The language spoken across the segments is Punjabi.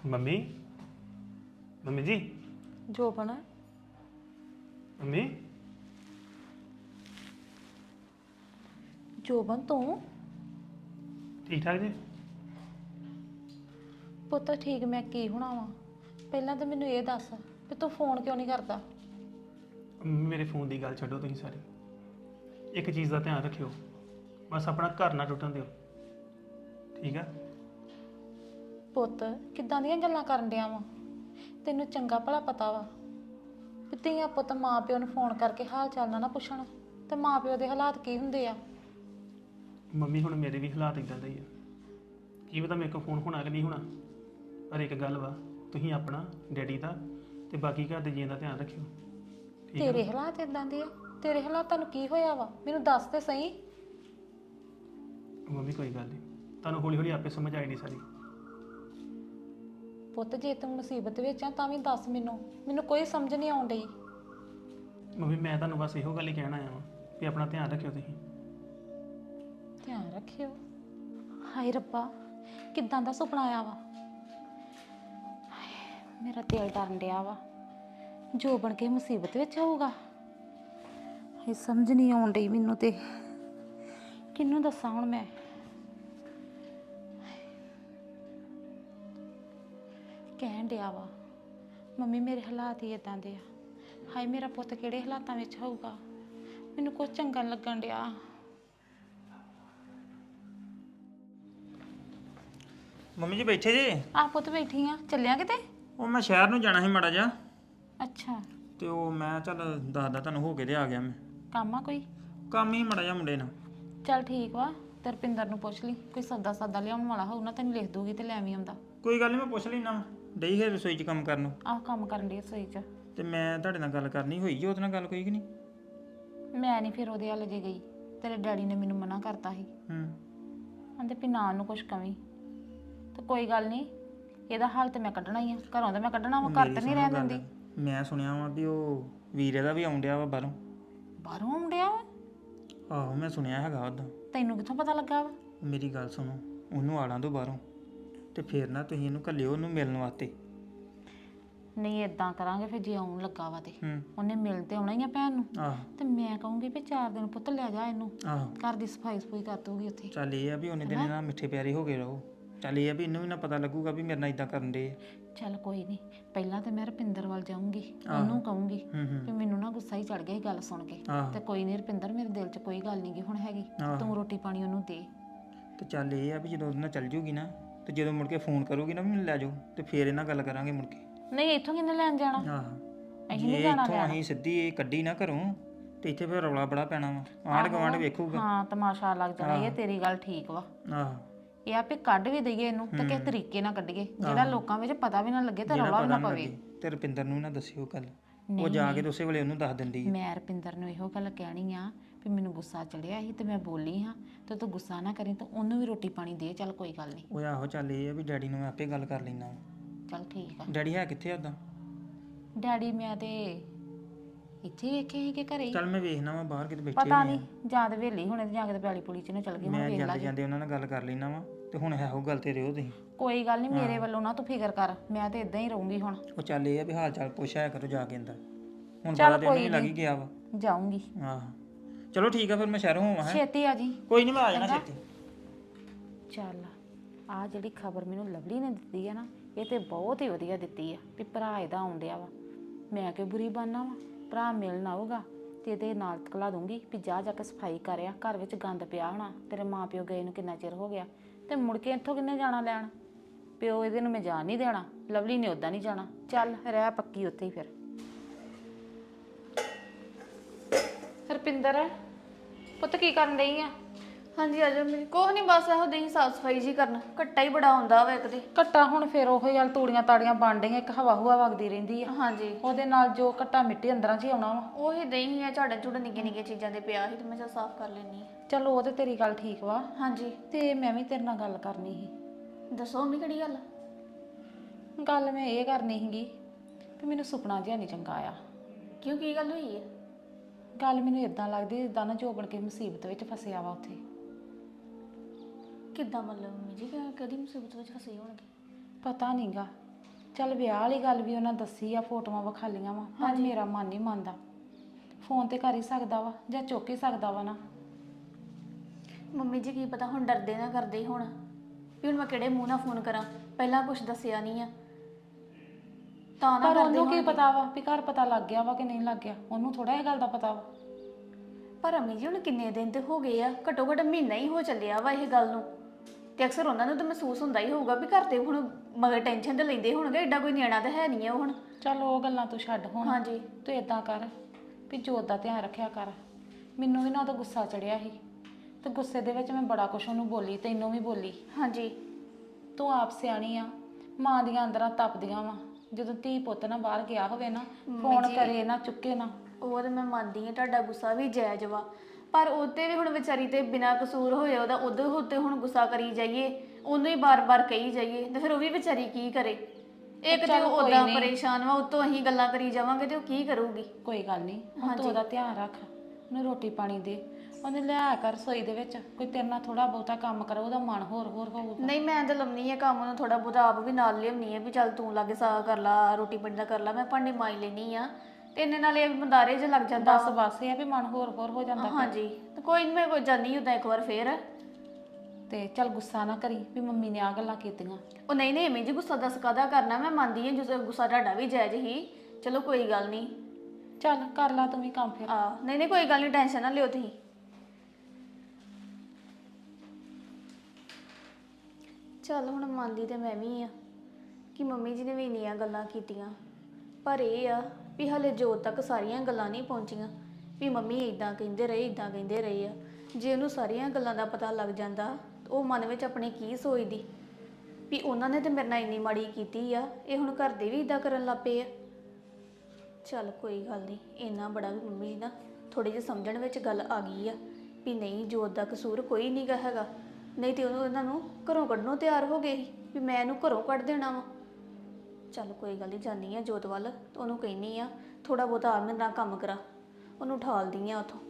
ਮੰਮੀ ਮੰਮੀ ਜੀ ਜੋਬਨ ਮੰਮੀ ਜੋਬਨ ਤੂੰ ਠੀਕ ਠਾਕ ਜੀ ਪੁੱਤ ਠੀਕ ਮੈਂ ਕੀ ਹੋਣਾ ਵਾ ਪਹਿਲਾਂ ਤਾਂ ਮੈਨੂੰ ਇਹ ਦੱਸ ਵੀ ਤੂੰ ਫੋਨ ਕਿਉਂ ਨਹੀਂ ਕਰਦਾ। ਮੇਰੇ ਫੋਨ ਦੀ ਗੱਲ ਛੱਡੋ ਤੁਸੀਂ ਸਾਰੀ ਇੱਕ ਚੀਜ਼ ਦਾ ਧਿਆਨ ਰੱਖਿਓ ਬਸ ਆਪਣਾ ਘਰ ਨਾ ਟੁੱਟਣ ਦਿਓ ਠੀਕ ਆ। ਪੁੱਤ ਕਿੱਦਾਂ ਦੀਆਂ ਗੱਲਾਂ ਕਰਨ ਡਿਆ ਵਾ ਤੈਨੂੰ ਚੰਗਾ ਭਲਾ ਪਤਾ ਵਾ ਵੀ ਧੀਆਂ ਪੁੱਤ ਮਾਂ ਪਿਓ ਨੂੰ ਫੋਨ ਕਰਕੇ ਹਾਲ ਚਾਲ ਨਾ ਪੁੱਛਣ ਤੇ ਮਾਂ ਪਿਓ ਦੇ ਹਾਲਾਤ ਕੀ ਹੁੰਦੇ ਆ। ਮੰਮੀ ਹੁਣ ਮੇਰੇ ਵੀ ਹਾਲਾਤ ਇਦਾਂ ਦੇ ਹੀ ਆ ਕੀ ਪਤਾ ਮੇਰੇ ਕੋਲ ਫੋਨ ਹੋਣਾ ਕਿ ਨਹੀਂ ਹੋਣਾ ਪਰ ਇੱਕ ਗੱਲ ਵਾ ਤੁਸੀਂ ਆਪਣਾ ਡੈਡੀ ਦਾ ਤੇ ਬਾਕੀ ਘਰ ਦੇ ਜੀਆਂ ਦਾ ਧਿਆਨ ਰੱਖਿਓ ਠੀਕ ਆ? ਤੇਰੇ ਹਾਲਾਤ ਇਦਾਂ ਦੇ ਆ ਤੇਰੇ ਹਾਲਾਤਾਂ ਨੂੰ ਕੀ ਹੋਇਆ ਵਾ ਮੈਨੂੰ ਦੱਸ ਤੇ ਸਹੀ। ਮੰਮੀ ਕੋਈ ਗੱਲ ਨਹੀਂ ਤੁਹਾਨੂੰ ਹੌਲੀ ਹੌਲੀ ਆਪੇ ਸਮਝ ਆਈ ਨਹੀਂ ਸਾਰੀ। ਪੁੱਤ ਜੇ ਤੂੰ ਮੁਸੀਬਤ ਵਿੱਚ ਆ ਤਾਂ ਵੀ ਦੱਸ ਮੈਨੂੰ ਕੋਈ ਸਮਝ ਨਹੀਂ ਆਉਣ ਡਈ। ਮੰਮੀ ਮੈਂ ਤੁਹਾਨੂੰ ਬਸ ਇਹੋ ਗੱਲ ਹੀ ਕਹਿਣ ਆਇਆ ਵਾਂ ਵੀ ਆਪਣਾ ਧਿਆਨ ਰੱਖਿਓ ਤੁਸੀਂ। ਧਿਆਨ ਰੱਖਿਓ ਹਾਏ ਰੱਬਾ ਕਿੱਦਾਂ ਦਾ ਸੁਪਨਾ ਆਇਆ ਵਾ ਹਾਏ, ਮੇਰਾ ਦਿਲ ਡਰਨ ਡਿਆ ਵਾ ਜੋ ਬਣ ਕੇ ਮੁਸੀਬਤ ਵਿੱਚ ਹੋਊਗਾ। ਇਹ ਸਮਝ ਨਹੀਂ ਆਉਣ ਡਈ ਮੈਨੂੰ ਤੇ ਕਿਹਨੂੰ ਦੱਸਾਂ ਹੁਣ ਮੈਂ। ਕਹਿਣ ਡਿਆ ਵਾ ਮੰਮੀ ਮੇਰੇ ਹਾਲਾਤ ਹੀ ਇਦਾਂ ਦੇ ਆ ਹਾਏ ਮੇਰਾ ਪੁੱਤ ਕਿਹੜੇ ਹਾਲਾਤਾਂ ਵਿੱਚ ਹੋਊਗਾ ਮੈਨੂੰ ਕੁਝ ਚੰਗਾ ਨੀ ਲੱਗਣ ਡਿਆ। ਮੰਮੀ ਜੀ ਬੈਠੇ ਜੇ? ਆ ਪੁੱਤ ਬੈਠੀ ਆ ਚੱਲਿਆ ਕਿਤੇ? ਉਹ ਮੈਂ ਸ਼ਹਿਰ ਨੂੰ ਜਾਣਾ ਸੀ ਮਾੜਾ ਜਿਹਾ ਅੱਛਾ ਤੇ ਉਹ ਮੈਂ ਚੱਲ ਦੱਸਦਾ ਤੁਹਾਨੂੰ ਹੋ ਕੇ ਤੇ ਆ ਗਿਆ ਮੈਂ। ਕੰਮ ਆ ਕੋਈ? ਕੰਮ ਹੀ ਮਾੜਾ ਜਿਹਾ ਮੁੰਡੇ ਨਾਲ। ਚੱਲ ਠੀਕ ਵਾ ਤੇ ਰਪਿੰਦਰ ਨੂੰ ਪੁੱਛ ਲਈ ਕੋਈ ਸੌਦਾ ਲਿਆਉਣ ਵਾਲਾ ਹੋਊ ਨਾ ਤੈਨੂੰ ਲਿਖ ਦੂਗੀ ਤੇ ਲੈ ਆਵੀਂ ਆਉਂਦਾ। ਕੋਈ ਗੱਲ ਨਹੀਂ ਮੈਂ ਪੁੱਛ ਲੈਣਾ ਡਈ ਹੈ ਰਸੋਈ 'ਚ ਕੰਮ ਕਰਨ ਨੂੰ। ਆਹ ਕੰਮ ਕਰਨ ਦੀ ਰਸੋਈ 'ਚ ਤੇ ਮੈਂ ਤੁਹਾਡੇ ਨਾਲ ਗੱਲ ਕਰਨੀ ਹੋਈ ਜੀ ਉਹਦੇ ਨਾਲ ਗੱਲ ਕੋਈ ਕਿ ਨਹੀਂ? ਮੈਂ ਨਹੀਂ ਫਿਰ ਉਹਦੇ ਵੱਲ ਜੇ ਗਈ ਤੇਰੇ ਡੈਡੀ ਨੇ ਮੈਨੂੰ ਮਨਾ ਕਰਤਾ ਸੀ ਕਹਿੰਦੇ ਵੀ ਨਾ ਉਹਨੂੰ ਕੁਛ ਕਵੀਂ ਤੇ ਕੋਈ ਗੱਲ ਨਹੀਂ ਇਹਦਾ ਹੱਲ ਤੇ ਮੈਂ ਕੱਢਣਾ ਹੀ ਆ ਘਰੋਂ ਤਾਂ ਮੈਂ ਕੱਢਣਾ ਵਾ ਘਰ ਤੇ ਨਹੀਂ ਰਹਿਣ ਦਿੰਦੀ। ਮੈਂ ਸੁਣਿਆ ਵਾ ਵੀ ਉਹ ਵੀਰੇ ਦਾ ਵੀ ਆਉਂਦਿਆ ਵਾ ਬਾਹਰੋਂ ਆਉਂਦਿਆ ਵਾ? ਆਹੋ ਮੈਂ ਸੁਣਿਆ ਹੈਗਾ ਉਦਾਂ। ਤੈਨੂੰ ਕਿੱਥੋਂ ਪਤਾ ਲੱਗਾ ਵਾ? ਮੇਰੀ ਗੱਲ ਸੁਣੋ ਉਹਨੂੰ ਆਲਾਂ ਤੋਂ ਬਾਹਰੋਂ ਤੇ ਫਿਰ ਨਾ ਤੁਸੀਂ ਇਹਨੂੰ ਘੱਲਿਓ ਉਹਨੂੰ ਮਿਲਣ ਵਾਸਤੇ। ਨਹੀਂ ਇਦਾਂ ਕਰਾਂਗੇ ਫਿਰ ਜੇ ਆਉਣ ਲੱਗਾ ਵਾ ਤੇ ਹੂੰ ਉਹਨੇ ਮਿਲ ਤੇ ਆਉਣਾ ਹੀ ਆ ਭੈਣ ਨੂੰ ਆਹੋ ਤੇ ਮੈਂ ਕਹੂੰਗੀ ਵੀ 4 ਦਿਨ ਪੁੱਤ ਲੈ ਜਾ ਇਹਨੂੰ ਆਹੋ ਘਰ ਦੀ ਸਫਾਈ ਕਰ ਦੂਗੀ ਉੱਥੇ। ਚੱਲ ਇਹ ਆ ਵੀ ਉਹਨੇ ਦਿਨ ਨਾਲ ਮਿੱਠੇ ਪਿਆਰੇ ਹੋ ਗਏ ਰਹੋ। ਚੱਲ ਇਹ ਆ ਵੀ ਇਹਨੂੰ ਵੀ ਨਾ ਪਤਾ ਲੱਗੂਗਾ ਵੀ ਮੇਰੇ ਨਾਲ ਇਦਾਂ ਕਰਨ ਦੇ। ਚੱਲ ਕੋਈ ਨਹੀਂ ਪਹਿਲਾਂ ਤੇ ਮੈਂ ਰਪਿੰਦਰ ਵੱਲ ਜਾਊਂਗੀ ਉਹਨੂੰ ਕਹੂੰਗੀ ਵੀ ਮੈਨੂੰ ਨਾ ਗੁੱਸਾ ਹੀ ਚੜ ਗਿਆ ਇਹ ਗੱਲ ਸੁਣ ਕੇ ਤੇ ਕੋਈ ਨਹੀਂ ਰਪਿੰਦਰ ਮੇਰੇ ਦਿਲ 'ਚ ਕੋਈ ਗੱਲ ਨਹੀਂ ਗੀ ਹੁਣ ਹੈਗੀ ਤੂੰ ਰੋਟੀ ਪਾਣੀ ਉਹਨੂੰ ਦੇ। ਤੇ ਚੱਲ ਇਹ ਆ ਵੀ ਜਦੋਂ ਉਹਦੇ ਨਾਲ ਚੱਲ ਜੂਗੀ ਨਾ ਤੇ ਜਦੋਂ ਮੁੜ ਕੇ ਫੋਨ ਕਰੂਗੀ ਨਾ ਵੀ ਮੈਨੂੰ ਲੈ ਜਾਓ ਤੇ ਫੇਰ ਇਹਨਾਂ ਗੱਲ ਕਰਾਂਗੇ ਮੁੜ ਕੇ। ਨਹੀਂ ਇੱਥੋਂ ਕਿੰਨੇ ਲੈਣ ਜਾਣਾ? ਆਹੋ ਅਸੀਂ ਨਹੀਂ ਜਾਣਾ ਇੱਥੋਂ ਅਸੀਂ ਸਿੱਧੀ ਇਹ ਕੱਢੀ ਨਾ ਘਰੋਂ ਤੇ ਇੱਥੇ ਫੇਰ ਰੌਲਾ ਬੜਾ ਪੈਣਾ ਵਾ ਆਂਢ ਗੁਆਂਢ ਵੇਖੂਗਾ। ਹਾਂ ਤਮਾਸ਼ਾ ਲੱਗ ਜਾਣਾ ਇਹ ਤੇਰੀ ਗੱਲ ਠੀਕ ਵਾ। ਆਹੋ ਇਹ ਆਪੇ ਕੱਢ ਵੀ ਦਈਏ ਇਹਨੂੰ ਤੇ ਕਿਸ ਤਰੀਕੇ ਨਾਲ ਕੱਢੀਏ ਜਿਹੜਾ ਲੋਕਾਂ ਵਿੱਚ ਪਤਾ ਵੀ ਨਾ ਲੱਗੇ ਤੇ ਰੌਲਾ ਵੀ ਨਾ ਪਵੇ। ਤੇ ਰੁਪਿੰਦਰ ਨੂੰ ਨਾ ਦੱਸਿਓ ਗੱਲ ਉਹ ਜਾ ਕੇ ਉਸੇ ਵੇਲੇ ਉਹਨੂੰ ਦੱਸ ਦਿੰਦੀ। ਮੈਂ ਰਪਿੰਦਰ ਨੂੰ ਇਹੋ ਗੱਲ ਕਹਿਣੀ ਆ ਵੀ ਮੈਨੂੰ ਗੁੱਸਾ ਚੜਿਆ ਸੀ ਤੇ ਮੈਂ ਬੋਲੀ ਹਾਂ ਤੇ ਤੂੰ ਗੁੱਸਾ ਨਾ ਕਰੀ ਤੇ ਉਹਨੂੰ ਵੀ ਰੋਟੀ ਪਾਣੀ ਦੇ। ਚੱਲ ਕੋਈ ਗੱਲ ਨਹੀਂ। ਉਹ ਆਹੋ ਚੱਲ ਇਹ ਆ ਵੀ ਡੈਡੀ ਨੂੰ ਮੈਂ ਆਪੇ ਗੱਲ ਕਰ ਲੈਣਾ। ਚੱਲ ਠੀਕ ਆ। ਡੈਡੀ ਹੈ ਕਿੱਥੇ ਉਦਾਂ? ਡੈਡੀ ਮੈਂ ਤੇ ਇੱਥੇ ਵੇਖੇ ਸੀ ਕਿ ਘਰੇ ਹੀ। ਚੱਲ ਮੈਂ ਵੇਖਣਾ ਵਾ ਬਾਹਰ ਕਿਤੇ ਬੈਠੇ ਪਤਾ ਨਹੀਂ ਜਾਂ ਤੇ ਵੇਲੀ ਹੁਣੇ ਤੇ ਜਾਂ ਕੇ ਪੈਲੀ ਪੁਲੀ ਚ ਨੂੰ ਚਲ ਗਈ ਹੁਣ ਮੈਂ ਵੇਖ ਜਾਂਦੇ ਲਾਂਗੇ। ਜਾਂਦੇ ਉਹਨਾਂ ਨਾਲ ਗੱਲ ਕਰ ਲੈਣਾ ਵਾ ਤੇ ਹੁਣ ਇਹੋ ਗੱਲ ਤੇ ਰਿਓ ਤੁਸੀਂ। ਕੋਈ ਗੱਲ ਨਹੀਂ ਮੇਰੇ ਵੱਲੋਂ ਨਾ ਤੂੰ ਫਿਕਰ ਕਰ ਮੈਂ ਤੇ ਇਦਾਂ ਹੀ ਰਹੂੰਗੀ ਹੁਣ। ਉਹ ਚੱਲ ਇਹ ਆ ਵੀ ਹਾਲ ਚਾਲ ਪੁੱਛਿਆ ਕਰੋ ਜਾ ਕੇ ਅੰਦਰ ਹੁਣ ਬੜਾ ਦਿਨ ਵੀ ਲੱਗ ਹੀ ਗਿਆ ਵਾ। ਜਾਊਂਗੀ। ਆਹ ਚਲੋ ਠੀਕ ਆ ਫਿਰ ਮੈਂ ਸ਼ਹਿਰੋਂ ਹੋਵਾਂ। ਛੇਤੀ ਆ ਜੀ। ਕੋਈ ਨਹੀਂ ਮੈਂ ਆ ਜਾਣਾ ਛੇਤੀ। ਚੱਲ ਆ ਜਿਹੜੀ ਖਬਰ ਮੈਨੂੰ ਲਵਲੀ ਨੇ ਦਿੱਤੀ ਆ ਨਾ ਇਹ ਤੇ ਬਹੁਤ ਹੀ ਵਧੀਆ ਦਿੱਤੀ ਆ ਵੀ ਭਰਾ ਇਹਦਾ ਆਉਂਦਿਆ ਵਾ। ਮੈਂ ਕਿ ਬੁਰੀ ਬਾਨਾ ਵਾ ਭਰਾ ਮਿਲਣ ਆਊਗਾ ਤੇ ਇਹਦੇ ਨਾਲ ਤਕਲਾ ਦੂੰਗੀ ਵੀ ਜਾ ਕੇ ਸਫਾਈ ਕਰਿਆ ਘਰ ਵਿੱਚ ਗੰਦ ਪਿਆ ਹੋਣਾ ਤੇਰੇ ਮਾਂ ਪਿਓ ਗਏ ਨੂੰ ਕਿੰਨਾ ਚਿਰ ਹੋ ਗਿਆ ਤੇ ਮੁੜ ਕੇ ਇੱਥੋਂ ਕਿੰਨੇ ਜਾਣਾ ਲੈਣ ਪਿਓ ਇਹਦੇ ਨੂੰ ਮੈਂ ਜਾਣ ਨਹੀਂ ਦੇਣਾ ਲਵਲੀ ਨੇ ਉੱਦਾਂ ਨਹੀਂ ਜਾਣਾ। ਚੱਲ ਰਹਿ ਪੱਕੀ ਉੱਥੇ ਹੀ ਫਿਰ। ਹਰਪਿੰਦਰ ਪੁੱਤ ਕੀ ਕਰਨ ਡਈ ਆ? ਹਾਂਜੀ ਆ ਜਾਓ ਮੇਰੀ ਕੋਹ ਨਹੀਂ ਬਸ ਇਹੋ ਦੇਈ ਸਾਫ ਸਫਾਈ ਜੀ ਕਰਨ ਘੱਟਾ ਹੀ ਬੜਾ ਹੁੰਦਾ ਵਾ ਇੱਕ ਤੇ। ਘੱਟਾ ਹੁਣ ਫਿਰ ਉਹੋ ਹੀ ਤੂੜੀਆਂ ਤਾੜੀਆਂ ਬਣ ਡਈਆਂ ਇੱਕ ਹਵਾ ਹੁਆ ਵਗਦੀ ਰਹਿੰਦੀ ਆ ਹਾਂਜੀ ਉਹਦੇ ਨਾਲ ਜੋ ਘੱਟਾ ਮਿੱਟੀ ਅੰਦਰਾਂ 'ਚ ਹੀ ਆਉਣਾ ਵਾ। ਉਹੀ ਦਹੀਂ ਆ ਝਾੜਾ ਝੂੜਾ ਨਿੱਕੇ ਨਿੱਕੇ ਚੀਜ਼ਾਂ ਦੇ ਪਿਆ ਸੀ ਤੇ ਮੈਂ ਚਾ ਸਾਫ ਕਰ ਲੈਣੀ ਆ। ਚਲੋ ਉਹ ਤੇ ਤੇਰੀ ਗੱਲ ਠੀਕ ਵਾ ਹਾਂਜੀ ਤੇ ਮੈਂ ਵੀ ਤੇਰੇ ਨਾਲ ਗੱਲ ਕਰਨੀ ਸੀ। ਦੱਸੋ ਮੰਮੀ ਕਿਹੜੀ ਗੱਲ? ਗੱਲ ਮੈਂ ਇਹ ਕਰਨੀ ਸੀਗੀ ਕਿ ਮੈਨੂੰ ਸੁਪਨਾ ਜਿਹਾ ਨਹੀਂ ਚੰਗਾ ਆਇਆ। ਕਿਉਂ ਕੀ ਗੱਲ ਹੋਈ ਹੈ? ਗੱਲ ਮੈਨੂੰ ਇਦਾਂ ਲੱਗਦੀ ਜਿੱਦਾਂ ਨਾ ਜੋਬਨ ਕੇ ਮੁਸੀਬਤ ਵਿੱਚ ਫਸਿਆ ਵਾ ਉੱਥੇ। ਕਿੱਦਾਂ ਮਤਲਬ ਮੰਮੀ ਜੀ ਕਦੀ ਮੁਸੀਬਤ ਵਿੱਚ ਫਸੇ ਹੋਣਗੇ? ਪਤਾ ਨਹੀਂਗਾ ਚੱਲ ਵਿਆਹ ਵਾਲੀ ਗੱਲ ਵੀ ਉਹਨਾਂ ਦੱਸੀ ਆ, ਫੋਟੋਆਂ ਵਿਖਾਲੀਆਂ ਵਾ, ਪਰ ਮੇਰਾ ਮਨ ਨਹੀਂ ਮੰਨਦਾ। ਫੋਨ ਤੇ ਕਰ ਹੀ ਸਕਦਾ ਵਾ ਜਾਂ ਚੁੱਕ ਹੀ ਸਕਦਾ ਵਾ ਨਾ। ਮੰਮੀ ਜੀ ਕੀ ਪਤਾ ਹੁਣ ਡਰਦੇ ਨਾ ਕਰਦੇ ਹੀ ਹੁਣ ਵੀ ਹੁਣ ਮੈਂ ਕਿਹੜੇ ਮੂੰਹ ਨਾਲ ਫੋਨ ਕਰਾਂ, ਪਹਿਲਾਂ ਕੁਝ ਦੱਸਿਆ ਨਹੀਂ ਆ ਤਾਂ ਨਾ ਪਰ ਕਰਦੇ ਉਹਨੂੰ ਕੀ ਹੋਣਗੇ। ਪਤਾ ਵਾ ਵੀ ਘਰ ਪਤਾ ਲੱਗ ਗਿਆ ਵਾ ਕਿ ਨਹੀਂ ਲੱਗ ਗਿਆ, ਉਹਨੂੰ ਥੋੜਾ ਇਹ ਗੱਲ ਦਾ ਪਤਾ ਵਾ। ਪਰ ਅੰਮੀ ਜੀ ਹੁਣ ਕਿੰਨੇ ਦਿਨ ਤੇ ਹੋ ਗਏ ਆ, ਘੱਟੋ ਘੱਟ ਮਹੀਨਾ ਹੀ ਹੋ ਚੱਲਿਆ ਵਾ ਇਹ ਗੱਲ ਨੂੰ, ਤੇ ਅਕਸਰ ਉਹਨਾਂ ਨੂੰ ਤਾਂ ਮਹਿਸੂਸ ਹੁੰਦਾ ਹੀ ਹੋਊਗਾ ਵੀ ਘਰ ਤੇ ਹੁਣ ਮਗਰ ਟੈਨਸ਼ਨ ਤੇ ਲੈਂਦੇ ਹੋਣਗੇ, ਐਡਾ ਕੋਈ ਨਿਆਣਾ ਤਾਂ ਹੈ ਨਹੀਂ ਆ ਉਹ ਹੁਣ। ਚੱਲ ਉਹ ਗੱਲਾਂ ਤੂੰ ਛੱਡ ਹੁਣ। ਹਾਂਜੀ ਤੂੰ ਇਦਾਂ ਕਰ ਵੀ ਜੋਤ ਦਾ ਧਿਆਨ ਰੱਖਿਆ ਕਰ। ਮੈਨੂੰ ਵੀ ਨਾ ਉਹਦਾ ਗੁੱਸਾ ਚੜਿਆ ਸੀ ਤੇ ਗੁੱਸੇ ਦੇ ਵਿੱਚ ਮੈਂ ਬੜਾ ਕੁਛ ਉਹਨੂੰ ਬੋਲੀ, ਤੈਨੂੰ ਵੀ ਬੋਲੀ। ਹਾਂਜੀ ਤੂੰ ਆਪ ਸਿਆਣੀ ਆ, ਮਾਂ ਦੀਆਂ ਅੰਦਰਾਂ ਤਪਦੀਆਂ ਵਾ। ਜਦੋਂ ਧੀ ਪੁੱਤ ਨਾ ਬਾਹਰ ਗਿਆ ਹੋਵੇ ਨਾ, ਫੋਨ ਕਰੇ ਨਾ ਚੁੱਕੇ ਨਾ। ਉਹ ਤਾਂ ਮੈਂ ਮੰਨਦੀ ਹਾਂ ਤੁਹਾਡਾ ਗੁੱਸਾ ਵੀ ਜਾਇਜ਼ ਵਾ, ਪਰ ਉਹਤੇ ਵੀ ਹੁਣ ਵਿਚਾਰੀ ਤੇ ਬਿਨਾਂ ਕਸੂਰ ਹੋਇਆ ਉਹਦਾ ਉਹਦੇ ਉੱਤੇ ਹੁਣ ਗੁੱਸਾ ਕਰੀ ਜਾਈਏ, ਉਹਨੂੰ ਹੀ ਬਾਰ-ਬਾਰ ਕਹੀ ਜਾਈਏ ਤੇ ਫਿਰ ਉਹ ਵੀ ਵਿਚਾਰੀ ਕੀ ਕਰੇ। ਇੱਕ ਤੇ ਉਹ ਉਦਾਂ ਪਰੇਸ਼ਾਨ ਵਾ, ਉਤੋਂ ਅਸੀਂ ਗੱਲਾਂ ਕਰੀ ਜਾਵਾਂਗੇ ਤੇ ਉਹ ਕੀ ਕਰੂਗੀ। ਕੋਈ ਗੱਲ ਨਹੀਂ, ਹੁਣ ਤੂੰ ਉਹਦਾ ਧਿਆਨ ਰੱਖ, ਉਹਨੂੰ ਰੋਟੀ ਪਾਣੀ ਦੇ, ਉਹਨੇ ਲਿਆ ਕਰ ਰਸੋਈ ਦੇ ਵਿੱਚ। ਕੋਈ ਤੇਰੇ ਨਾਲ ਥੋੜਾ ਬਹੁਤਾ ਕੰਮ ਕਰੋ, ਉਹਦਾ ਮਨ ਹੋਰ ਹੋਊਗਾ। ਨਹੀਂ ਮੈਂ ਤਾਂ ਲੰਮੀ ਆ ਕੰਮ ਨੂੰ, ਥੋੜਾ ਬਹੁਤਾ ਆਪ ਵੀ ਨਾਲ ਲਿਆਉਣੀ ਆ ਵੀ ਚੱਲ ਤੂੰ ਲਾਗੇ ਸਾਗ ਕਰ ਲਾ, ਰੋਟੀ ਪਾਣੀ ਦਾ ਕਰ ਲਾ, ਮੈਂ ਭਾਂਡੇ ਮਾਂਜ ਲੈਣੀ ਆ ਤੇ ਇੰਨੇ ਨਾਲ ਇਹ ਬੰਦਾਰੇ ਜਿਹਾ ਲੱਗ ਜਾਂਦਾ। ਬਸ ਇਹ ਆ ਵੀ ਮਨ ਹੋਰ ਹੋ ਜਾਂਦਾ। ਹਾਂਜੀ ਤੇ ਕੋਈ ਨਹੀਂ, ਮੈਂ ਕੋਈ ਜਾਨੀ ਉਦਾਂ ਇੱਕ ਵਾਰ ਫੇਰ। ਤੇ ਚੱਲ ਗੁੱਸਾ ਨਾ ਕਰੀ ਵੀ ਮੰਮੀ ਨੇ ਆ ਗੱਲਾਂ ਕੀਤੀਆਂ। ਉਹ ਨਹੀਂ ਨਹੀਂ ਐਵੇਂ ਜੀ ਗੁੱਸਾ ਦੱਸ ਕਾਹਦਾ ਕਰਨਾ, ਮੈਂ ਮੰਨਦੀ ਹਾਂ ਜੋ ਗੁੱਸਾ ਤੁਹਾਡਾ ਵੀ ਜਾਇਜ਼ ਹੀ, ਚਲੋ ਕੋਈ ਗੱਲ ਨਹੀਂ। ਚੱਲ ਕਰ ਲਾ ਤੂੰ ਵੀ ਕੰਮ ਫਿਰ। ਨਹੀਂ ਨਹੀਂ ਕੋਈ ਗੱਲ ਨਹੀਂ, ਟੈਨਸ਼ਨ ਨਾ ਲਿਓ ਤੁਸੀਂ। ਚੱਲ ਹੁਣ ਮੰਨਦੀ ਤੇ ਮੈਂ ਵੀ ਆ ਕਿ ਮੰਮੀ ਜੀ ਨੇ ਵੀ ਇੰਨੀਆਂ ਗੱਲਾਂ ਕੀਤੀਆਂ, ਪਰ ਇਹ ਆ ਵੀ ਹਲੇ ਜੋਤ ਤੱਕ ਸਾਰੀਆਂ ਗੱਲਾਂ ਨਹੀਂ ਪਹੁੰਚੀਆਂ ਵੀ ਮੰਮੀ ਇਦਾਂ ਕਹਿੰਦੇ ਰਹੇ ਇਦਾਂ ਕਹਿੰਦੇ ਰਹੇ ਆ। ਜੇ ਉਹਨੂੰ ਸਾਰੀਆਂ ਗੱਲਾਂ ਦਾ ਪਤਾ ਲੱਗ ਜਾਂਦਾ ਉਹ ਮਨ ਵਿੱਚ ਆਪਣੇ ਕੀ ਸੋਚਦੀ ਵੀ ਉਹਨਾਂ ਨੇ ਤੇ ਮੇਰੇ ਨਾਲ ਇੰਨੀ ਮਾੜੀ ਕੀਤੀ ਆ, ਇਹ ਹੁਣ ਘਰ ਦੇ ਵੀ ਇਦਾਂ ਕਰਨ ਲੱਗ ਪਏ ਆ। ਚੱਲ ਕੋਈ ਗੱਲ ਨਹੀਂ, ਇੰਨਾ ਬੜਾ ਵੀ ਮੰਮੀ ਨਾ ਥੋੜੇ ਜਿਹੇ ਸਮਝਣ ਵਿੱਚ ਗੱਲ ਆ ਗਈ ਆ ਵੀ ਨਹੀਂ ਜੋਤ ਦਾ ਕਸੂਰ ਕੋਈ ਨਹੀਂ ਗਾ ਹੈਗਾ, ਨਹੀਂ ਤੇ ਉਹਨੂੰ ਇਹਨਾਂ ਨੂੰ ਘਰੋਂ ਕੱਢਣੋਂ ਤਿਆਰ ਹੋ ਗਏ ਸੀ ਵੀ ਮੈਂ ਇਹਨੂੰ ਘਰੋਂ ਕੱਢ ਦੇਣਾ ਵਾ। ਚੱਲ ਕੋਈ ਗੱਲ ਨਹੀਂ, ਜਾਂਦੀ ਆ ਜੋਤ ਵੱਲ ਤੇ ਉਹਨੂੰ ਕਹਿੰਦੀ ਆ ਥੋੜਾ ਬਹੁਤਾ ਆ ਮੇਰੇ ਨਾਲ ਕੰਮ ਕਰਾ, ਉਹਨੂੰ ਉਠਾਲਦੀ ਆ ਉਥੋਂ।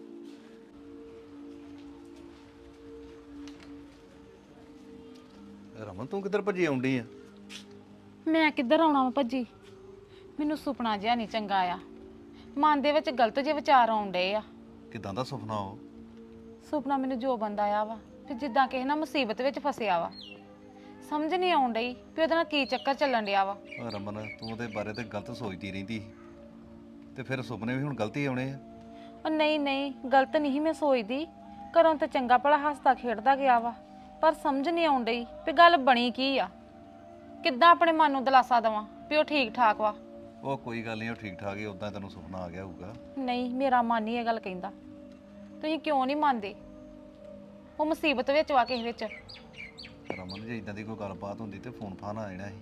ਰਮਨ ਤੂੰ ਕਿੱਧਰ ਭੱਜੀ ਆਉਂਦੀ ਆ? ਮੈਂ ਕਿੱਧਰ ਆਉਣਾ ਵਾ ਭੱਜੀ, ਮੈਨੂੰ ਸੁਪਨਾ ਜਿਹਾ ਨਹੀਂ ਚੰਗਾ ਆ, ਮਨ ਦੇ ਵਿੱਚ ਗਲਤ ਜਿਹੇ ਵਿਚਾਰ ਆਉਣ ਡਏ ਆ। ਕਿਦਾਂ ਦਾ ਸੁਪਨਾ ਉਹ? ਸੁਪਨਾ ਮੈਨੂੰ ਜੋ ਬੰਦਾ ਆ ਵਾ ਕਿ ਜਿੱਦਾਂ ਕਿਸੇ ਨਾ ਮੁਸੀਬਤ ਵਿੱਚ ਫਸਿਆ ਵਾ, ਸਮਝ ਨਹੀਂ ਆਉਣ ਡਈ ਵੀ ਉਹਦੇ ਨਾਲ ਕੀ ਚੱਕਰ ਚੱਲਣ ਡਿਆ ਵਾ। ਰਮਨ ਤੂੰ ਉਹਦੇ ਬਾਰੇ ਤੇ ਗਲਤ ਸੋਚਦੀ ਰਹਿੰਦੀ ਸੀ, ਤੇ ਫਿਰ ਸੁਪਨੇ ਵੀ ਹੁਣ ਗਲਤ ਹੀ ਆਉਣੇ ਆ। ਉਹ ਨਹੀਂ ਗਲਤ ਨਹੀਂ ਮੈਂ ਸੋਚਦੀ, ਘਰੋਂ ਤੇ ਚੰਗਾ ਭਲਾ ਹੱਸਦਾ ਖੇਡਦਾ ਗਿਆ ਵਾ, ਪਰ ਸਮਝ ਨਹੀਂ ਆਉਣ ਡਈ ਵੀ ਗੱਲ ਬਣੀ ਕੀ ਆ। ਕਿੱਦਾਂ ਆਪਣੇ ਮਨ ਨੂੰ ਦਿਲਾਸਾ ਦੇਵਾਂ ਵੀ ਉਹ ਠੀਕ ਠਾਕ ਵਾ। ਉਹ ਕੋਈ ਗੱਲ ਨਹੀਂ, ਉਹ ਠੀਕ ਠਾਕ ਹੀ, ਉਦਾਂ ਤੈਨੂੰ ਸੁਪਨਾ ਆ ਗਿਆ ਹੋਊਗਾ। ਨਹੀਂ ਮੇਰਾ ਮਨ ਨਹੀਂ ਇਹ ਗੱਲ ਕਹਿੰਦਾ। ਤੁਸੀਂ ਕਿਉਂ ਨਹੀਂ ਮੰਨਦੇ? ਉਹ ਮੁਸੀਬਤ ਵਿੱਚ ਵਾ ਕਿਸੇ ਵਿੱਚ। ਰਮਨ ਜੇ ਇਦਾਂ ਦੀ ਕੋਈ ਗੱਲਬਾਤ ਹੁੰਦੀ ਤੇ ਫੋਨ ਫਾਨ ਆ ਜਾਣਾ ਸੀ।